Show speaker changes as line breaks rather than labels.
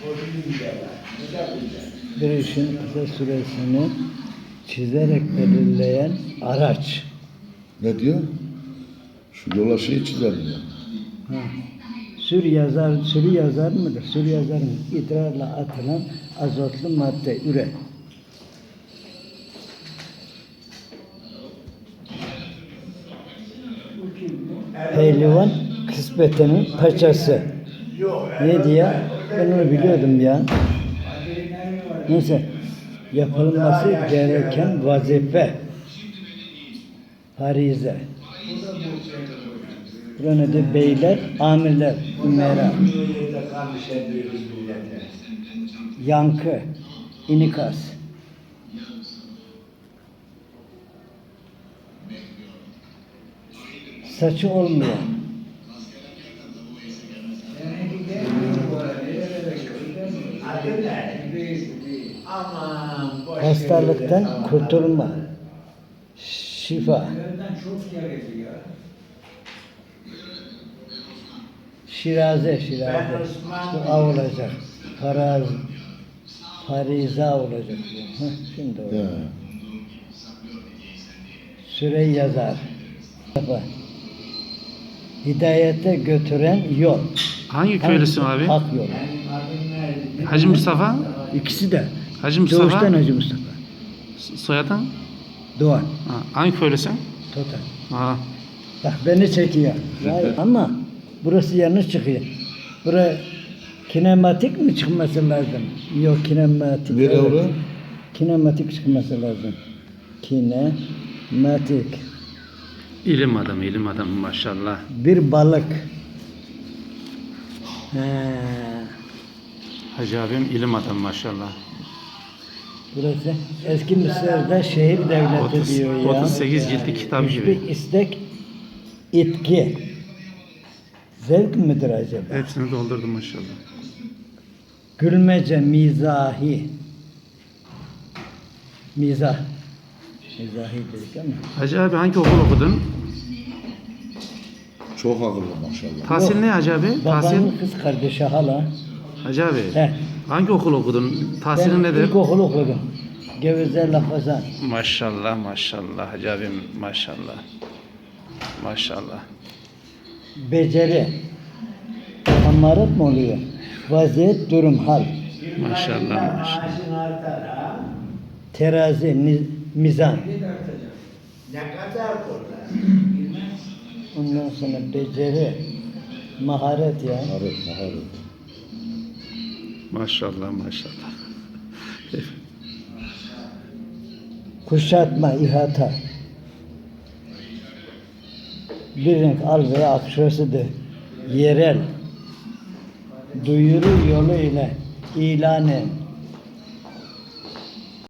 Bir işin kısa süresini çizerek belirleyen araç.
Ne diyor? Şu yola şey çizelim ya.
Ha. Sürü yazar mıdır? Sürü yazarın idrarla atılan azotlu madde üre. Pehlivan kısmetenin paçası. Ne diye? Ben onu biliyordum ya. Neyse. Yapılması gereken vazife. Harize. Burada da beyler, amirler, ümera. Yankı, inikas. Saçı olmayan. Hastalıktan kurtulma. Şifa. Şiraze. Bu A olacak. Fariza olacak. Şimdi oldu.
Ya.
Süre yazar. Hidayete götüren yol.
Hangi köylüsün abi?
Hak yol.
Hacı Mustafa?
İkisi de.
Hacı Mustafa?
Doğuştan Hacı Mustafa.
Soyadın?
Doğan.
Ha, hangi köylüsün?
Total.
Ha.
Bak beni çekiyor. Vay, ama burası yanlış çıkıyor. Buraya kinematik mi çıkması lazım? Yok kinematik.
Nere orası?
Kinematik çıkması lazım. Kinematik.
İlim adamı maşallah.
Bir balık.
Hacı abim ilim adamı maşallah.
Burası eski Mısır'da şehir devleti diyor ya.
38 ciltli kitap gibi.
Hiçbir istek, itki. Zevk midir acaba?
Hepsini doldurdum maşallah.
Gülmece, mizahi. Mizah. Mizahi dedik ama.
Hacı abi hangi okul okudun?
Çok akıllı maşallah.
Tahsil ne Hacı abi? Tahsil?
Babanın kız kardeşi hala.
Hacı abi.
He.
Hangi okul okudun? Tahsilin
Ben
nedir?
ilkokul okudum. Geveze Lafazan.
Maşallah Hacı abim maşallah. Maşallah.
Beceri. Hamarat mı oluyor? Vaziyet, durum, hal.
Maşallah.
Terazi, mizan. Ondan sonra beceri, maharet ya.
Maharet.
Maşallah.
Kuşatma, ihata. Bir renk al veya akşasıdır. Yerel. Duyuru yolu ile ilanı